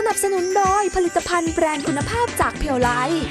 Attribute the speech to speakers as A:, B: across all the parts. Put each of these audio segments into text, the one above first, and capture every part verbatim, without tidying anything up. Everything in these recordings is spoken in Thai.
A: นับสนุนโดยผลิตภัณฑ์แบรนด์คุณภาพจากเพียวไลท์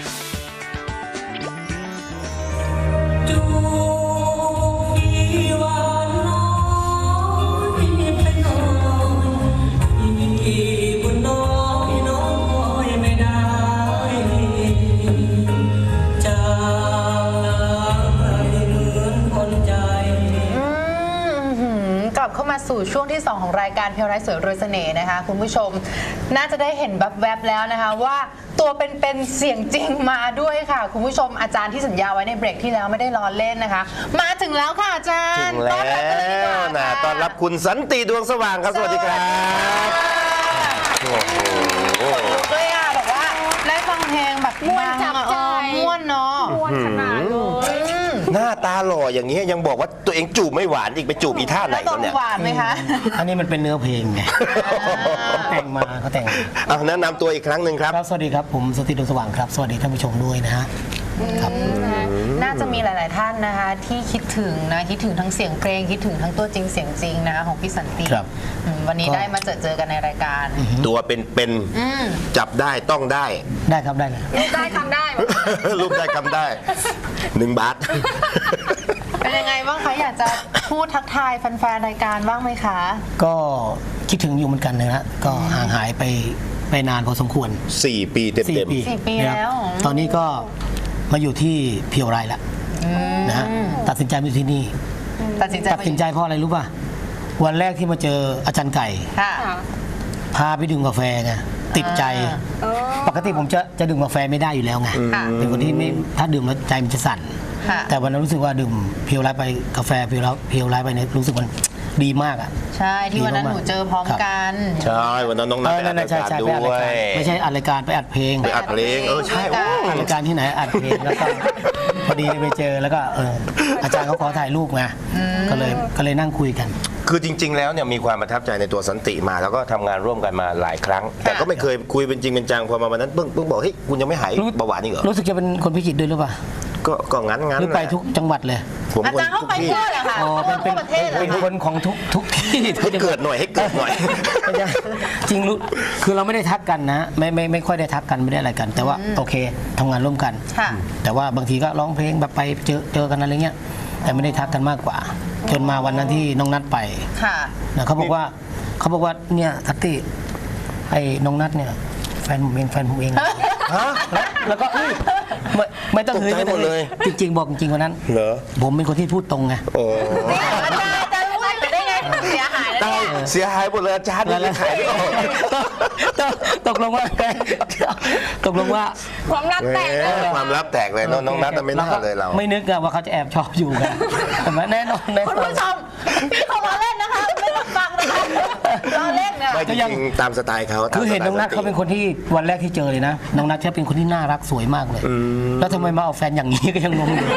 B: เข้ามาสู่ช่วงที่สองของรายการเพียวไร้สวยรวยเสน่ห์นะคะคุณผู้ชมน่าจะได้เห็นแวบๆแล้วนะคะว่าตัวเป็นๆเสียงจริงมาด้วยค่ะคุณผู้ชมอาจารย์ที่สัญญาไว้ในเบรกที่แล้วไม่ได้ล้อเล่นนะคะมาถึงแล้วค่ะอาจารย์
C: ถึงแล้วนะต้อนรับคุณสันติดวงสว่างครับสวัสดีครับโอ้โห
B: ด้วยอ่ะบอกว่าได้ฟังเพลงแบบม่วนจับใจม่วนเนาะม่วนขนาดเลย
C: หน้าตาหล่ออย่างนี้ยังบอกว่าตัวเองจูบไม่หวานอีกไปจูบอีท่าไหนกันเนี่ย
B: หวานไหมคะ
D: อันนี้มันเป็นเนื้อเพลงไงแต่งมาเขาแต่ง
C: เอาแนะนำตัวอีกครั้งหนึ่งครับ
D: สวัสดีครับผมสันติดวงสว่างครับสวัสดีท่านผู้ชมด้วยนะฮะครับ
B: น่าจะมีหลาย ๆท่านนะคะที่คิดถึงนะคิดถึงทั้งเสียงเพลงคิดถึงทั้งตัวจริงเสียงจริงนะคะของพี่สันติวันนี้ได้มาเจอเจอกันในรายการ
C: ตัวเป็นเป็นจับได้ต้องได้
D: ได้ครับได้เลย
B: รูปได้คำได้
C: รูปได้คำได้หนึ่งบาท
B: เป็นยังไงบ้างคะอยากจะพูดทักทายแฟน ๆ รายการบ้างไหมคะ
D: ก็คิดถึงอยู่เหมือนกันนะฮะก็ห่างหายไปไปนานพอสมควร
C: สี่ปีเต็มเต็ม
B: สี่ปีแล้ว
D: ตอนนี้ก็มาอยู่ที่เพียวไร่แล้วนะฮะตัดสินใจมาอยู่ที่นี่
B: ตัดสินใจ
D: ตัดสินใจเพราะอะไรรู้ป่ะวันแรกที่มาเจออาจารย์ไก่พาไปดื่มกาแฟไงติดใจปกติผมจะจะดื่มกาแฟไม่ได้อยู่แล้วไงเป็นคนที่ไม่ถ้าดื่มแล้วใจมันจะสั่นแต่วันนั้นรู้สึกว่าดื่มเพียวไร่ไปกาแฟเพียวไร่เพียวไร่ไปเนี่ยรู้สึกมันดีมากอ่ะ
B: ใช่ที่วันนั้นหนูเจอพร้อมกัน
C: ใช่วันนั้นน้องนัทไปอัดรายการด้วย
D: ไม่ใช่อัดรายการไปอัดเพลง
C: ไปอัดเพลงเออใช่
D: อัดรายการที่ไหนอัดเพลงแล้วก็พอดีไปเจอแล้วก็เอออาจารย์เขาขอถ่ายรูปไงก็เลยก็เลยนั่งคุยกัน
C: คือจริงๆแล้วเนี่ยมีความประทับใจในตัวสันติมาแล้วก็ทำงานร่วมกันมาหลายครั้งแต่ก็ไม่เคยคุยเป็นจริงเป็นจังพอมาวันนั้นเพิ่งเพิ่งบอกเฮ้ยคุณยังไม่หายเบาหวานนี่เหรอ
D: รู้สึกจะเป็นคนพิจิตรด้วยหรือเปล่า
C: ก็ก็งั้นงั้น
D: หรือไปทุกจังหวัดเลย
B: อาจารย์เขาไปทั่วเลยค่ะ
D: เป็นเป็นเป็นคนของทุกทุกที่
C: ให้เกิดหน่อยให้เกิดหน่อย
D: จริงรู้คือเราไม่ได้ทักกันนะไม่ไม่ไม่ค่อยได้ทักกันไม่ได้อะไรกันแต่ว่าโอเคทำงานร่วมกันแต่ว่าบางทีก็ร้องเพลงแบบไปเจอเจอกันอะไรเงี้ยแต่ไม่ได้ทักกันมากกว่าจนมาวันนั้นที่น้องนัทไปนะเขาบอกว่าเขาบอกว่าเนี่ยทัตติไอ้น้องนัทเนี่ยแฟนผมเองแฟนผมเองฮะแล้วก็ไม่ไม่ต้องเฮ้ยไม่ต้องเลยจริงๆบอกจริงๆวันนั้นเหรอผมเป็นคนที่พูดตรงไงโอ้
B: อาจารย์อาจารย์รู้ได้ไงเสียหายแล้วเนี่ย
C: เสียหายหมดเลยอาจารย์เลยขายไม่ออก
D: ตกลงว่าตกลงว่า
B: ความลับแตกเลย
C: ความลับแตกเลยน้องนัทไม่น่าเลยเรา
D: ไม่นึกว่าเขาจะแอบชอบอยู่กันแต่แน่นอน
B: คุณผู้ชมพี่เขามาเล่นนะคะไม่ต้องฟังนะคะเราเล่นเนี่ย
C: ก็ยังตามสไตล์เขา
D: คือเห็นน้องนัทเขาเป็นคนที่วันแรกที่เจอเลยนะน้องนัทเขาเป็นคนที่น่ารักสวยมากเลยแล้วทำไมมาเอาแฟนอย่างนี้ก็ยังงงอยู่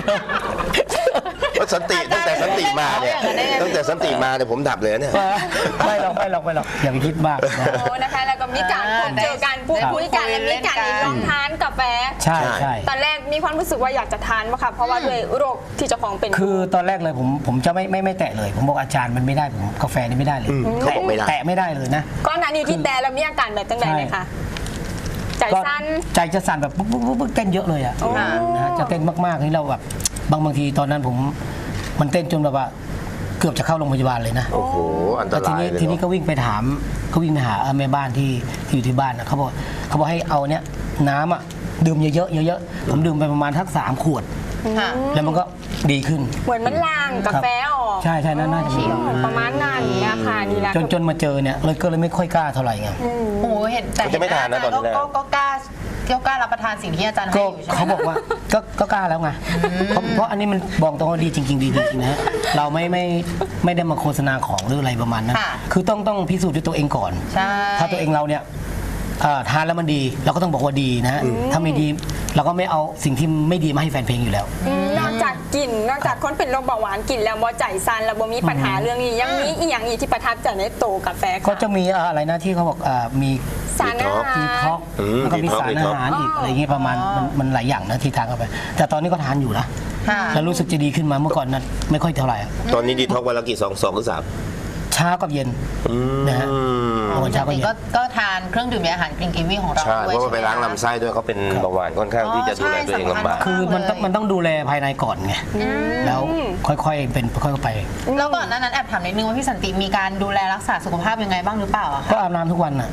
C: สันติตั้งแต่สันติมาเนี่ยตั้งแต่สันติมาเนี่ยผมดับเลยเนี่ย
D: ไม่หรอกไม่หรอกไม่หรอกอย่าไปคิดมาก
E: โอ้นะคะแล้วก็มีการพบเจอกันพูดคุยกันและมีการลองทานกาแฟ
D: ใช่ใช่
E: ตอนแรกมีความรู้สึกว่าอยากจะทานป่ะคะเพราะว่าด้วยโรคที่เจ้าของเป็น
D: คือตอนแรกเลยผมผมจะไม่ไม่ไม่แตะเลยผมบอกอาจารย์มันไม่ได้ผมกาแฟนี่ไม่ได้เลย
C: เขาบอกไม่ได้
D: แตะไม่ได้เลยนะ
E: ก้อนนั้นนี่ที่แต่แล้วมีอาการแบบจังไรเลยค่ะใจสั่น
D: ใจจะสั่นแบบปุ๊บปุ๊บปุ๊บเต้นเยอะเลยอ่ะนะจะเต้นมากๆที่เราแบบบางบางทีตอนนั้นผมมันเต้นจนแบบว่าเกือบจะเข้าโรงพยาบาลเลยนะ
C: โอ้โหอันตรายเลย
D: ทีนี้ก็วิ่งไปถามก็วิ่งไปหาแม่บ้านที่ที่อยู่ที่บ้านเขาบอกเขาบอกให้เอาเนี้ยน้ำอ่ะดื่มเยอะๆเยอะๆผมดื่มไปประมาณทักสามขวดแล้วมันก็ดีขึ้น
E: เหมือนมันล้างกาแฟออก
D: ใช่ใช่น่าจะดี
E: ประมาณนั้นเนี่ยค่ะนี่แหละ
D: จนจนมาเจอเนี่ยเลยก็เลยไม่ค่อยกล้าเท่าไหร่ไง
B: โอ้โหเห็นแต่
C: จะไม่ทานนะตอนนี้
B: ก็กล้าก็กล้ารับประทานสิ่งที่อาจารย์ให้อยู่ใช่ไหม
D: เขาบอกว่าก็ก็กล้าแล้วไงเพราะอันนี้มันบอกตรงว่าดีจริงๆดีจริงๆนะเราไม่ไม่ไม่ได้มาโฆษณาของหรืออะไรประมาณนั้นคือต้องต้องพิสูจน์ด้วยตัวเองก่อนถ้าตัวเองเราเนี่ยทานแล้วมันดีเราก็ต้องบอกว่าดีนะถ้าไม่ดีเราก็ไม่เอาสิ่งที่ไม่ดีมาให้แฟนเพลงอยู่แล้ว
E: นอกจากกินนอกจากคนเป็นโรคเบาหวานกินแล้วบ่ใจสั่นแล้วบ่มีปัญหาเรื่องนี้ยังมีอีกอย่างอีกที่ประทับใจในโตกาแฟ
D: ก็จะมีอะไรนะที่เขาบอกมี
E: สารอาหาร
D: มีท็อกแล้วก็มีสารอาหารอีกอะไรอย่างเงี้ยประมาณมันหลายอย่างนะที่ทานเข้าไปแต่ตอนนี้ก็ทานอยู่นะแล้วรู้สึกจะดีขึ้นมาเมื่อก่อนนั้นไม่ค่อยเท่าไหร่
C: ตอนนี้ดีท็อกวันละกี่สองสองหรือสาม
D: ใช่ช้ากับเย็นนะฮะบางวันเช้าก็เย็น
B: ก็ก็ทานเครื่องดื่มและอาหารกรีนกีวีของเรา
C: ใช่
B: ด้
C: เพ
B: วย
C: ราะว่าไป
B: ใช่หม
C: ล้างลำไส้ด้วยเขาเป็นเบาหวานค่อนข้างที่จะดูแลตัวเองลำบาก
D: คือมันต้องมันต้องดูแลภายในก่อนไงแล้วค่อยๆเป็นค่อยๆไป
B: แล้วก่อนหน้านั้นแอบถามนิดนึงว่าพี่สันติมีการดูแลรักษาสุขภาพยังไงบ้างหรือเปล่าอะ
D: ก็
B: คะ
D: อาบน้ำทุกวันน่ะ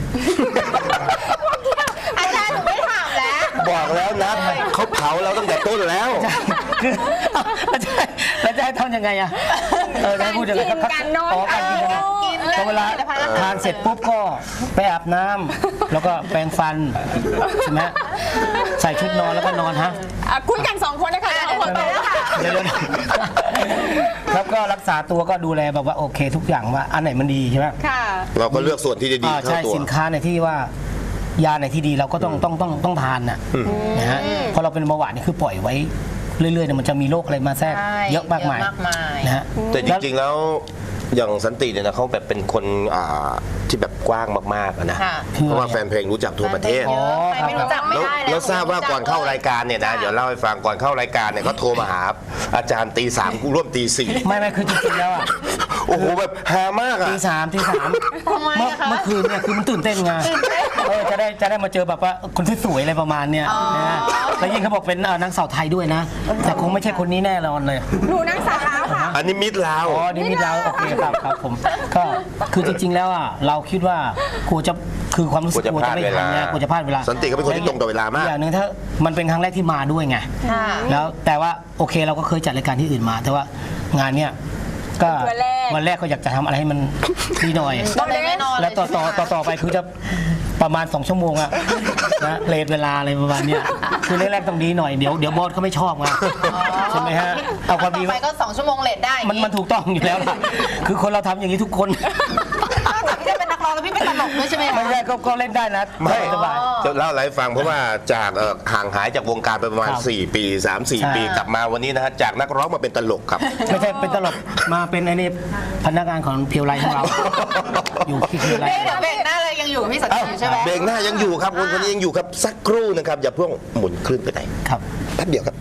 B: อาจารย์หนูไม่ถามแล้ว
C: บอกแล้วนะเขาเผาเราตั้งแต่ต้นแล้ว
D: คือแล้วจะแล้วจะให้ทำยังไงอะเออจะให้พูดยังไง
E: การกินการนอน
D: อ๋อการกินนะ
B: กิน
D: พอเวลาทานเสร็จปุ๊บก็ไปอาบน้ำแล้วก็แปรงฟันใช่ไหมใส่ชุดนอนแล้วก็นอนฮะ
E: อ่ะคุยกันสองคนนะคะเอาหัวโตแล้วค่ะ
D: เดี๋ยวๆแล้วก็รักษาตัวก็ดูแลแบบว่าโอเคทุกอย่างว่าอันไหนมันดีใช่ไหม
E: ค่ะ
C: เราก็เลือกส่วนที่จะดี
D: อ่า
C: เข้า
D: ใช่
C: ตัว
D: สินค้าในที่ว่ายาในที่ดีเราก็ต้องต้องต้องต้องทานน่ะนะฮะเพราะเราเป็นเบาหวานนี่คือปล่อยไว้เรื่อยๆเนี่ยมันจะมีโรคอะไรมาแทรก
B: ใช่
D: เยอะมากมาย
B: เยอะมากมาย
D: นะฮะ
C: แต่จริงๆแล้วอย่างสันติเนี่ยนะเขาแบบเป็นคนอ่าที่แบบกว้างมากๆอะนะ
B: ค่ะ
C: เพราะว่าแฟนเพลงรู้จักทั่วประเทศ
B: เยอะใครไม่รู้จักไม่
C: แล้ว
B: ได้แล้ว
C: แล้วทราบว่าก่อนเข้ารายการเนี่ยนะเดี๋ยวเล่าให้ฟังก่อนเข้ารายการเนี่ยเขาโทรมาหาอาจารย์ตีสามกูร่วมตีสี่
D: ไม่ไม่คือจริงๆแล้วอ่ะ
C: โอ้โหแบบฮามากอ่ะ
D: ตีสามตีสาม
B: ทำไม
D: เมื่อ
B: อะคะ
D: เมื่อคืนเนี่ยคือมันตื่นเต้นไงเออจะได้จะได้มาเจอแบบว่าคนที่สวยอะไรประมาณเนี้ยนะฮะแล้วยิ่งเขาบอกเป็นเอ่อนางสาวไทยด้วยนะ แต่คงไม่ใช่คนนี้แน่นอนเลย
E: หนูนั่งสาวแล้วค่ะ
C: อันนี้มิดลาว
D: อ๋อนี่มีเราโอเคครับครับผมก็คือจริงๆแล้วอ่ะเราคิดว่ากลัวจะคือความรู้สึกกลัวจะไม่ทันนะกลัวจะพลาดเวลา
C: สันติเขาเป็นคนที่ตรงต่อเวลามาก
D: อย่างหนึ่งถ้ามันเป็นครั้งแรกที่มาด้วยไง
B: ค่ะ
D: แล้วแต่ว่าโอเคเราก็เคยจัดรายการที่อื่นมา แต่ว่างานเนี้ยก็
E: วันแรก
D: วันแรกก็อยากจะทำอะไรให้มันดีหน่อย
B: ก็เลยไม่นอน
D: แล้วต่อต่อต่อต่อไปคือจะประมาณสองชั่วโมงอะนะเลทเวลาอะไรประมาณเนี้ยคือแรกๆต้องดีหน่อยเดี๋ยวเดี๋ยวบอสเขาไม่ชอบไงใช่ไหมฮะเอาความดี
B: ต่อไปก็สองชั่วโมงเลทได้
D: มันมันถูกต้องอยู่แล้วล่ะคือคนเราทำอย่างนี้ทุกคน
B: นอกจากพี่จะเป็นนักร้องแล้วพี่เป็นตลกด้วยใช่ไหมคะ
D: ไม่ใช่ก็ก็เล่นได้นะ
C: ไม่
D: สบาย
C: จะเล่าอะไรให้ฟังเพราะว่าจากเอ่อห่างหายจากวงการไปประมาณ
D: ครับ
C: สี่ ปี สาม สี่
D: ใช่
C: ปีกลับมาวันนี้นะฮะจากนักร้องมาเป็นตลกครับ
D: ไม่ใช่เป็นตลกมาเป็นไอ้นี่พนักงานของเพียวไลของเรา อยู่ที่เพียวไล
B: เดี๋ยวเบรกหน้าเลยยังอยู่กับพี่สันติอยู่ใช่ไหม
C: เบรกหน้ายังอยู่ครับคนคนนี้ยังอยู่ครับสักครู่นะครับอย่าเพิ่งหมุนคลื่นไปไหน
D: ครับ
C: แป๊บเดียวครับ